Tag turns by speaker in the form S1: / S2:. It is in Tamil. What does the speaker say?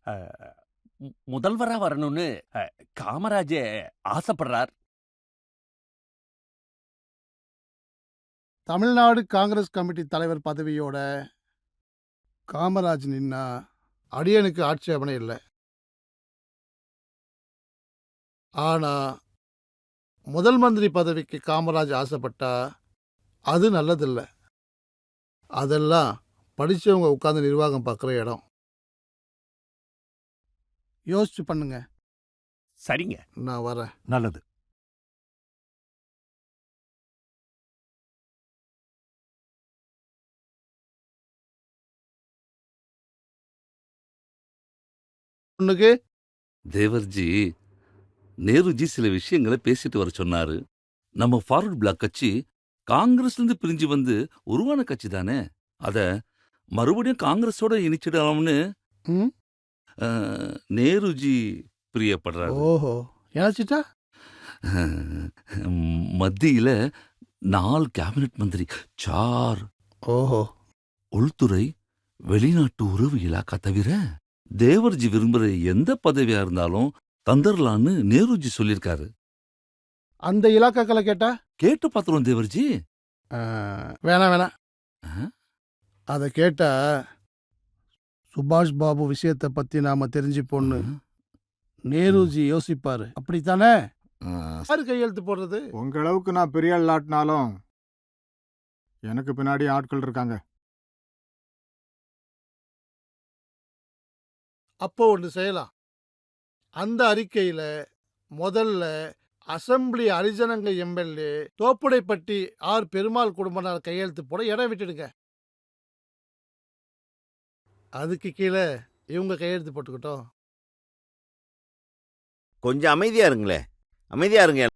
S1: அ முதல்வரா வரணும்னு காமராஜே ஆசைப்படுறார்.
S2: தமிழ்நாடு காங்கிரஸ் கமிட்டி தலைவர் பதவியோட காமராஜ் நின்னா அடியனுக்கு ஆட்சேபனை இல்லை. ஆனா முதல் மந்திரி பதவிக்கு காமராஜ் ஆசைப்பட்டா அது நல்லதில்ல. அதெல்லாம் படிச்சவங்க உட்கார்ந்து நிர்வாகம் பார்க்குற இடம். யோசிச்சு பண்ணுங்க.
S1: சரிங்க.
S2: நான் வரேன்.
S3: நல்லது.
S2: பொண்ணுக்கு
S4: தேவர்ஜி, நேருஜி சில விஷயங்களை பேசிட்டு வர சொன்னாரு. நம்ம ஃபார்வர்ட் பிளாக் கட்சி காங்கிரஸ்ல இருந்து பிரிஞ்சு வந்து உருவான கட்சி தானே. அத மறுபடியும் காங்கிரஸோட இணைச்சிடலாம்னு
S2: ம்
S4: நேருஜி பிரியப்படுறாரு.
S2: ஓஹோ இணைச்சிட்டா
S4: மத்தியில 4 கேபினட் மந்திரி, 4
S2: ஓஹோ
S4: உள்துறை, வெளிநாட்டு உறவு இலாக்கா தவிர தேவர்ஜி விரும்புற எந்த பதவியா இருந்தாலும் தந்தரலான்னு நேருஜி சொல்லியிருக்காரு.
S2: அந்த இலாக்காக்களை கேட்டா
S4: கேட்டு பாத்துருவோம் தேவர்ஜி.
S2: வேணாம்.
S4: ஆ?
S2: அதை கேட்டா சுபாஷ் பாபு விஷயத்தை பத்தி நாம தெரிஞ்சுப்போன்னு நேருஜி யோசிப்பாரு. அப்படித்தானே? யாரு கையெழுத்து போடுறது?
S5: உங்க அளவுக்கு நான் பெரிய ஆளாட்டினாலும் எனக்கு பின்னாடி ஆட்கள் இருக்காங்க.
S2: அப்போ ஒன்று செய்யலாம். அந்த அறிக்கையில முதல்ல அசெம்பிளி ஹரிஜனங்க எம்எல்ஏ தோப்புடைப்பட்டி ஆர் பெருமாள் குடும்பத்தார் கையெழுத்து போட இடம் விட்டுடுங்க. அதுக்கு கீழே இவங்க கையெழுத்து போட்டுக்கிட்டோம்.
S6: கொஞ்சம் அமைதியா இருங்களே, அமைதியா இருங்க.